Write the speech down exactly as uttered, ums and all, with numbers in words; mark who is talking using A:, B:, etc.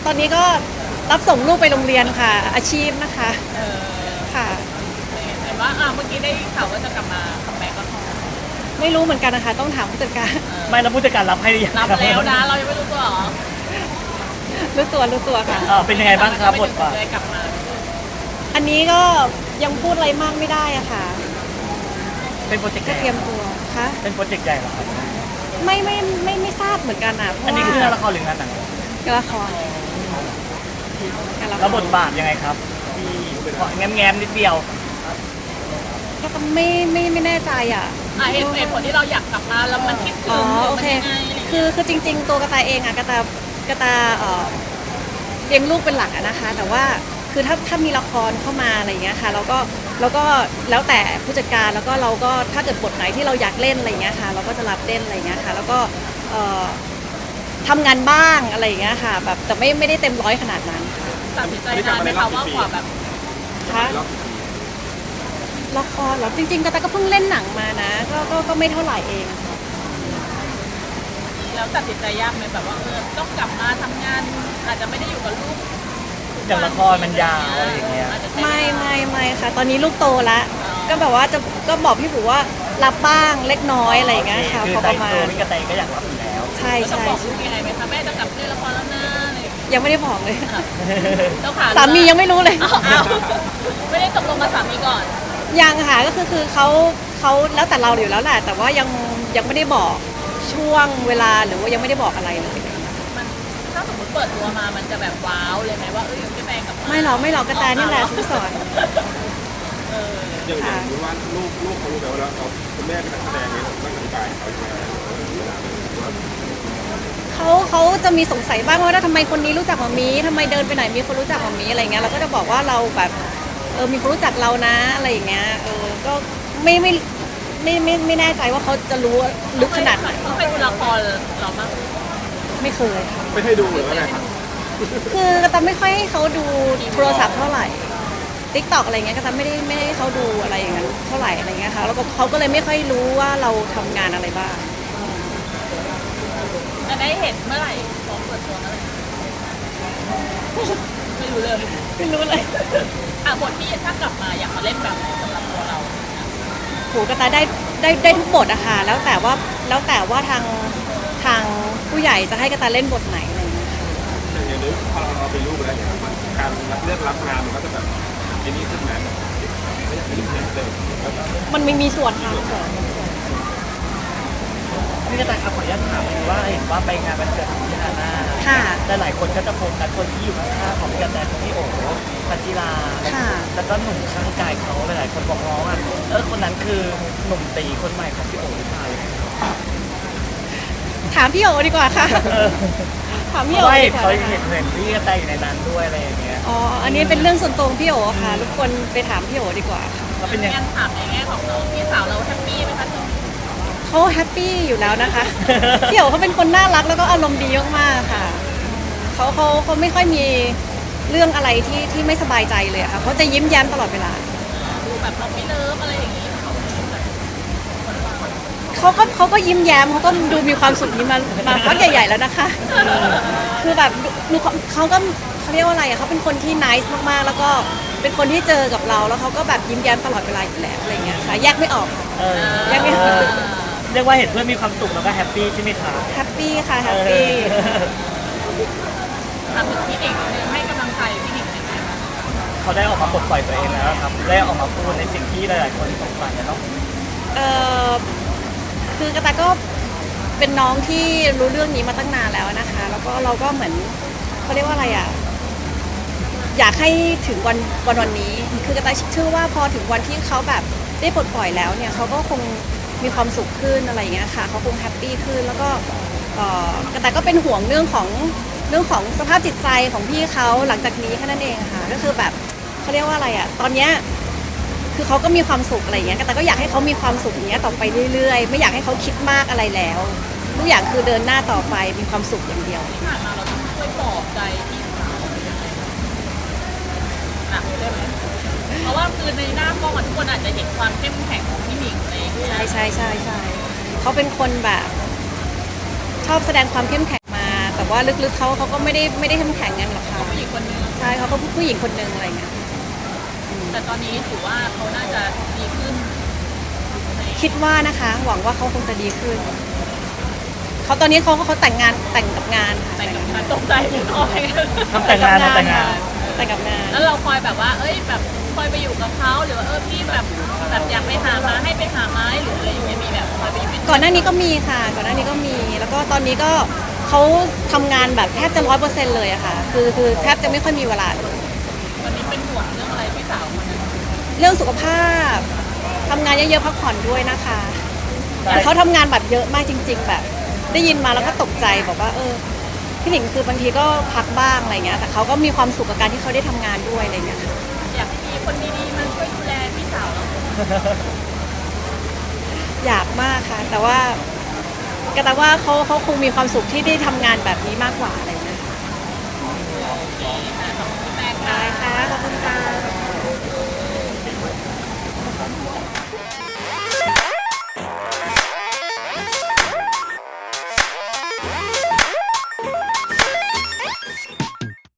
A: ตอนนี้ก็รับส่งลูกไปโรงเรียนค่ะ อาชีพนะคะ
B: เออ
A: ค่ะ
B: เห็นว่าอ่าเมื่อกี้ได้ข่าวว่าจะกลับมาคัมแบ็กก็พอ
A: ไม่รู้เหมือนกันนะคะ ต้องถามผู้จัดการ
C: ไม่แล้วผู้จัดการรับให้หรือยัง
B: รับ
C: ครับ
B: แล้วนะเรายังไม่รู้ตัวเหรอ
A: รู้ตัวรู้ตัวค่ะ
C: เออเป็นยังไงบ้างครับบทบาท
B: เลยกลับมา
A: อันนี้ก็ยังพูดอะไรมากไม่ได้อะค่ะ
C: เป็นโปรเจกต์ให
A: ก็
C: ญ่
A: เตรียมตัวค่ะ
C: เป็นโปรเจกต์ใหญ่เหรอครับ
A: ไม่ไม่ไม่ไม่ทราบเหมือนกันอะเพราะ
C: อันนี้
A: ว่า
C: คืองานละครหรืองานหนัง
A: งานละครงานละคร
C: แล้วบทบาทยังไงครับที่แง้มแง้มๆนิดเดียว
A: ก็ต้องไม่ไม่ไม่แน่ใจอะ
B: อ่ะเหตุเหตุผลที่เราอยากกลับมาแล้วมันคิดถึ
A: อ๋
B: ง
A: อ
B: หรื
A: โอ
B: มัน
A: เค
B: ยังไงอะไรอย่าง
A: คื
B: เงี้ย
A: อคือจริง ๆ ตัวกระตายเองอะกระตากระตาเอ่อเลี้ยงลูกเป็นหลักอะนะคะ แต่ว่าคือถ้าถ้ามีละครเข้ามาอะไรอย่างเงี้ยค่ะเราก็เราก็แล้วแต่ผู้จัดการแล้วก็เราก็ถ้าเกิดบทไหนที่เราอยากเล่นอะไรอย่างเงี้ยค่ะ เราก็จะรับเล่นอะไรอย่างเงี้ยค่ะ แล้วก็เอ่อทำงานบ้างอะไรอย่างเงี้ยค่ะ แบบแต่ไม่ไม่ได้เต็มร้อยขนาดนั้นค่ะ
B: ตัดสินใจนานไหมคะว่ากว่าแบบ
A: คะละครเหรอจริง ๆกระตายก็เพิ่งเล่นหนังมานะก็ก็ก็ไม่เท่าไหร่เองอะค่ะ
B: แล้วตัดสินใจยากไหมแบบว่าเออต้องกลับมาทำงานอาจจะไม่ได้อยู่กับลูก
C: อย่างละครมันยาวอะไรอย่างเงี้ย
B: อาจจะใช้เวลา
A: ไม่ไม่ไม่ค่ะ ตอนนี้ลูกโตแล้วก็แบบว่าจะก็บอกพี่ผูว่ารับบ้างเล็กน้อยอะไรอย่างเงี้ยค่ะ
C: คือ
A: พอ
C: ใจ
A: ประมา
C: ตัว
A: ณ
C: พี่กระแตก็อยากรับอยู่แล้ว
A: ใช่
B: แล้วจะ
A: ใช่
B: บอกลูกยังไงไหมคะแม่จะกลับเล่นละครแล้วนะอะไรอย่างเงี้ย
A: ยังไม่ได้บอกเลย
B: เจ้าขา
A: สามียังไม่รู้เลย
B: อ้าวอ้าวไม่ได้ตกลงกับสามีก่อน
A: ยังค่ะก็คือคือเขาเขาแล้วแต่เราอยู่แล้วแหละแต่ว่ายังยังไม่ได้บอกช่วงเวลาหรือว่ายังไม่ได้บอกอะไรเลย
B: มันถ้าสมมติเปิดตัวมามันจะแบบว้าวเลยไหมว่าเอ้ยพี่แปงกลับมา
A: ไม่หรอกไม่หรอกกระแตนี่แหละซื้อสอน
B: เออ
D: อย่างอย่างรู้ว่าลูกลูกเขารู้ไหมว่าเราคุณแม่เป็นนักแสดงนี้เราต้องอธิบายเขาใช่ไหม
A: เขาเขาจะมีสงสัยบ้างว่าทำไมคนนี้รู้จักหมามีทำไมเดินไปไหนมีคนรู้จักหมามีอะไรเงี้ยเราก็จะบอกว่าเราแบบเออมีคนรู้จักเรานะอะไรอย่างเงี้ยเออก็ไม่ไม่ไม่ไม่ไม่แน่ใจว่าเขาจะรู้ลึกขนาดไหน
B: เขาไปดูละครเราบ้าง
A: ไม่เคยค่ะ
D: ไม่ให้ดูหรือว่าไงครับ
A: คือกระตาไม่ค่อยให้เขาดูโทรศัพท์เท่าไหร่ติ๊กตอกอะไรเงี้ยกระตาไม่ได้ไม่ได้ให้เขาดูอะไรอย่างนั้นเท่าไหร่อะไรเงี้ยค่ะแล้วก็เขาก็เลยไม่ค่อยรู้ว่าเราทำงานอะไรบ้าง
B: จะได้เห็นเมื่อไหร่พร้อมเปิดตัวเมื่อไหร่ไม่รู้เลย
A: ไม่รู้เลย
B: อ่ะบทที่ถ้ากลับมาอยากมาเล่นแบบไหนสำหรับตัวเรา
A: โหกระตาได้ได้ได้ทุกบทอะค่ะแล้วแต่ว่าแล้วแต่ว่าทางทางผู้ใหญ่จะให้กระตาเล่นบทไหนอะไรเงี้ยค่ะ
D: อย่างอย่างนี้พอเราเป็นลูกแล้วเนี่ยมันการรับเลือกรับงานมันก็จะแบบอันนี้ขึ้นไหมไม่อยากให้ลูกเห็นเลย
A: มันไม่มีส่วนค่ะส่วน
C: พี่กระแตครับขออนุญาตถามหน่อยว่าเห็นว่าไปงานวันเกิดของพี่ฮาน่า
A: ค่ะ
C: แต่หลายคนก็จะโฟกัสคนที่อยู่ข้างๆของพี่กระแตคือพี่โอ๋พันธิลา
A: ค่ะ
C: แล้วก็หนุ่มข้างกายเขาหลายๆคนบอกน้องอ่ะเออคนนั้นคือหนุ่มตีคนใหม่ของพี่โอ๋หรือเปล่า
A: ถามพี่โอดีกว่าค่ะ
C: เออ
A: ถาม
C: เพ
A: พี่โอ
C: ราะว่า
A: ดี
C: เห็น
A: กว่า
C: เขา
A: นะคะ
C: เห็นเห็นพี่กระแตอยู่ในนั้นด้วยอะไรอย่างเงี้ย
A: อ๋ออันนี้เป็นเรื่องส่วนตัวของพี่โอค่ะรบกวนไปถามพี่โอดีกว่าค่ะ
C: แล้วเป็นยังไง
B: งั้นถามในแง่ของเราพี่สาวเราแฮปปี้ไหมคะตรงนี้
A: เขาแฮปปี้อยู่แล้วนะคะ พี่โอเขาเป็นคนน่ารักแล้วก็อารมณ์ดีมากๆค่ะเขาเขาเขาไม่ค่อยมีเรื่องอะไรที่ที่ไม่สบายใจเลยอะค่ะเขาจะยิ้มแย้มตลอดเวลา
B: ดูแบบเราไม่เลิฟอะไรอย่างนี้เขาแบบ
A: เขาก็เขาก็ยิ้มแย้มเขาก็ดูมีความสุขนี้มามาพักใหญ่ ๆ แล้วนะคะ คือแบบดูเขาเขาก็เขาเรียกว่าอะไรอะเขาเป็นคนที่นิสมากๆ แล้วก็เป็นคนที่เจอกับเรา แล้วเขาก็แบบยิ้มแย้มตลอดเวลาอยู่แล้วอะไรเงี้ยค่ะแยกไม่ออก
C: เออ
A: ยังไม่
C: เออเรียกว่าเห็นเพื่อนมีความสุขแล้วก็แฮปปี้ใช่ไหมคะ
A: แฮปปี้ค่ะแฮปปี้
C: เออ
B: ถามถึงพี่หนิงนึงให้กำลังใจพี่หนิงยังไงบ้าง
C: เขาได้ออกมาปลดปล่อยตัวเองแล้วครับได้ออกมาพูดในสิ่งที่หลายๆคนสงสัยนะเนาะ
A: เออคือกระตายก็เป็นน้องที่รู้เรื่องนี้มาตั้งนานแล้วนะคะ แล้วก็เราก็เหมือนเขาเรียกว่าอะไรอะอยากให้ถึงวันวันวันนี้ คือกระตายเชื่อว่าพอถึงวันที่เขาแบบได้ปลดปล่อยแล้วเนี่ยเขาก็คงมีความสุขขึ้นอะไรอย่างเงี้ยค่ะเขาคงแฮปปี้ขึ้นแล้วก็เอ่อกระตายก็เป็นห่วงเรื่องของเรื่องของสภาพจิตใจของพี่เขาหลังจากนี้แค่นั้นเองค่ะก็คือแบบเขาเรียกว่าอะไรอะตอนเนี้ยคือเขาก็มีความสุขอะไรอย่างเงี้ยแต่ก็อยากให้เขามีความสุขอย่างเงี้ยต่อไปเรื่อยๆไม่อยากให้เขาคิดมากอะไรแล้วทุกอย่างคือเดินหน้าต่อไปมีความสุขอย่างเดียว
B: ที่ผ่านมาเราต้องช่วยปลอบใจพี่สาวยังไงหนักได้ไหมเพราะว่าคือในหน้ากล้องอะทุกคนอาจจะเห็นความเข้มแข็งของพี่หนิงอะไรอย่างเงี้ย
A: ใช่ใช่ใช่ใช่เขาเป็นคนแบบชอบแสดงความเข้มแข็งมา แต่ว่าลึกๆเขาเขาก็ไม่ได้ไม่ได้เข้มแข็งกันหรอกค่ะ
B: ผู้หญิงคนนึง
A: ใช่เขาก็ผู้หญิงคนหนึ่งอะไรเงี้ย
B: แต่ตอนนี้ถือว่าเขาน่าจะดีขึ้นใน
A: คิดว่านะคะ หวังว่าเขาคงจะดีขึ้นเขาตอนนี้เขาเขาแต่งงานแต่งกับงานค่ะ
B: แต่งกับการตกใจถึงออกไปกัน
C: ทำแต่งงานทำแต่งงาน
A: แต่งกับงาน
B: แล้วเราคอยแบบว่า เอ้ยแบบคอยไปอยู่กับเขาหรือว่าเออพี่แบบแบบอยากไปหามาให้ไปหาไม้หรืออะไรอย่างเงี้ยมีแบบคอยไปอยู่เป็น
A: ก่อนหน้านี้ก็มีค่ะ ก่อนหน้านี้ก็มี แล้วก็ตอนนี้ก็เขาทำงานแบบแทบจะร้อยเปอร์เซ็นต์เลยอะค่ะ คือคือแทบจะไม่ค่อยมีเวลาเลย
B: วันนี้เป็นห่วงเรื่องอะไรพี่สาวคนนั้น
A: เรื่องสุขภาพทำงานเยอะๆพักผ่อนด้วยนะคะอย่างเขาทำงานแบบเยอะมากจริง ๆ แบบ ได้ยินมาแล้วก็ตกใจบอกว่าเออพี่หนิงคือบางทีก็พักบ้างอะไรเงี้ยแต่เขาก็มีความสุขกับการที่เขาได้ทำงานด้วยอะไรเงี้ยค่ะ
B: อยากมีคนดีๆมาช่วยดูแลพี่สาวเรา
A: อยากมากค่ะ แต่ว่าก็แต่ว่าเขาเขาคงมีความสุขที่ได้ทำงานแบบนี้มากกว่าอะไรเงี้ย
B: ข